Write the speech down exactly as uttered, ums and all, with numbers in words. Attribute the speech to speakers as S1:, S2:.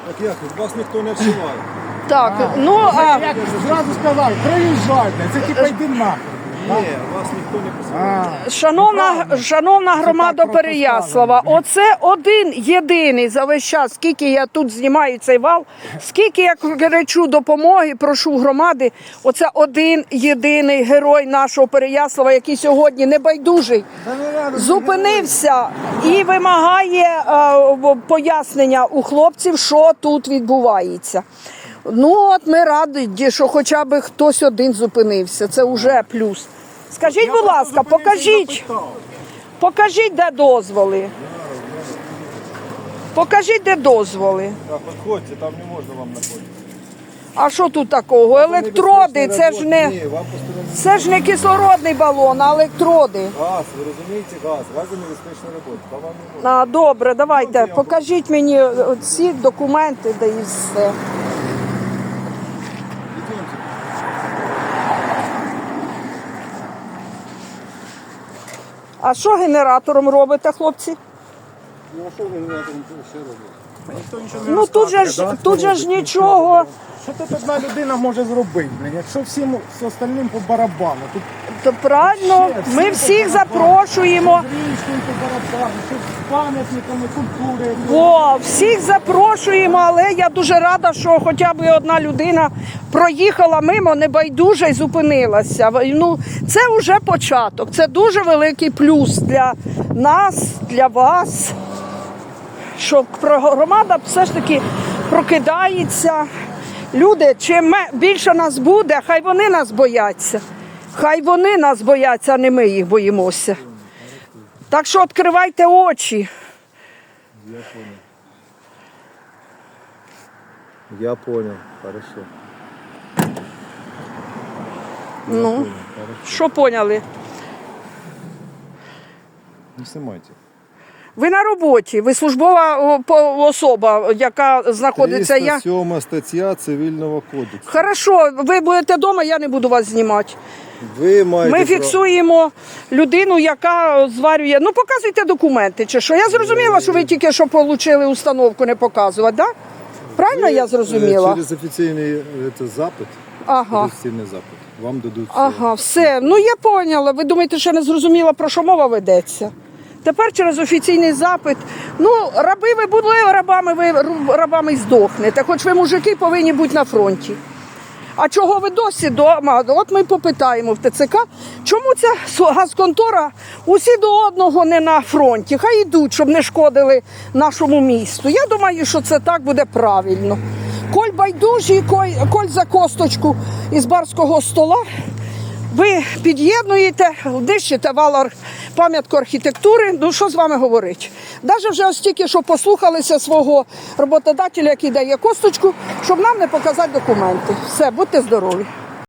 S1: Так як, вас ніхто не вшиває.
S2: Так, ну а
S3: Як зразу сказав, приїжджайте, це типа йди нахуй.
S1: Ні, вас ніхто не посилає.
S2: шановна, шановна громада
S3: так просто
S2: Переяслава, оце один єдиний за весь час, скільки я тут знімаю цей вал, скільки я кричу допомоги, прошу громади, оце один єдиний герой нашого Переяслава, який сьогодні небайдужий, зупинився і вимагає е, пояснення у хлопців, що тут відбувається. Ну от ми раді, що хоча б хтось один зупинився, це вже плюс. Скажіть, будь ласка, покажіть, покажіть, де дозволи. Покажіть, де дозволи.
S1: Так, підходьте, там не можна вам знаходитися.
S2: А що тут такого? Електроди, це ж не,
S1: Ні, вам посторонні.
S2: це ж не кислородний балон, а електроди.
S1: Газ, ви розумієте, газ, газонебезпечна робота. Там вам не можна.
S2: А, добре, давайте, покажіть мені ці документи, де і все.
S1: Йдемте.
S2: А що генератором робите, хлопці?
S1: Ну, а що ви генератором ще робите?
S3: Ніхто нічого не
S2: Ну тут же
S3: розказує,
S2: ж,
S3: да?
S2: тут же ж нічого.
S3: Що тут одна людина може зробити, блін? Якщо всім з остальним по барабану, тут
S2: То правильно, ми всіх запрошуємо.
S3: річкою по барабану, тут з пам'ятниками культури.
S2: О, всіх запрошуємо, але я дуже рада, що хоча б одна людина проїхала мимо, небайдужа і зупинилася. Ну, це вже початок, це дуже великий плюс для нас, для вас, що громада все ж таки прокидається. Люди, чим більше нас буде, хай вони нас бояться. Хай вони нас бояться, а не ми їх боїмося. Так що відкривайте очі.
S1: Я понял. Я понял, хорошо.
S2: Ну, що поняли?
S1: Не снимайте.
S2: Ви на роботі, ви службова о, по- особа, яка знаходиться. Я...
S1: триста сьома стаття Цивільного кодексу.
S2: Хорошо, ви будете вдома, я не буду вас знімати.
S1: Ви маєте
S2: Ми
S1: право-
S2: фіксуємо людину, яка зварює. Ну, показуйте документи чи що. Я зрозуміла, що ви тільки що отримали установку не показувати, так? Да? Правильно я зрозуміла?
S1: Через офіційний е, це, запит,
S2: Ага.
S1: офіційний запит, вам дадуть все.
S2: Ага, все. Ну я поняла. Ви думаєте, що я не зрозуміла, про що мова ведеться? Тепер через офіційний запит. Ну, раби ви були рабами, ви рабами й здохнете. Хоч ви, мужики, повинні бути на фронті. А чого ви досі вдома? От ми попитаємо в ТЦК, чому ця газконтора усі до одного не на фронті? Хай йдуть, щоб не шкодили нашому місту. Я думаю, що це так буде правильно. Коль байдужі, коль, коль за косточку із барського стола, ви під'єднуєте, нищите вал пам'ятку архітектури, ну що з вами говорити? Навіть вже ось тільки, що послухалися свого роботодателя, який дає косточку, щоб нам не показати документи. Все, будьте здорові.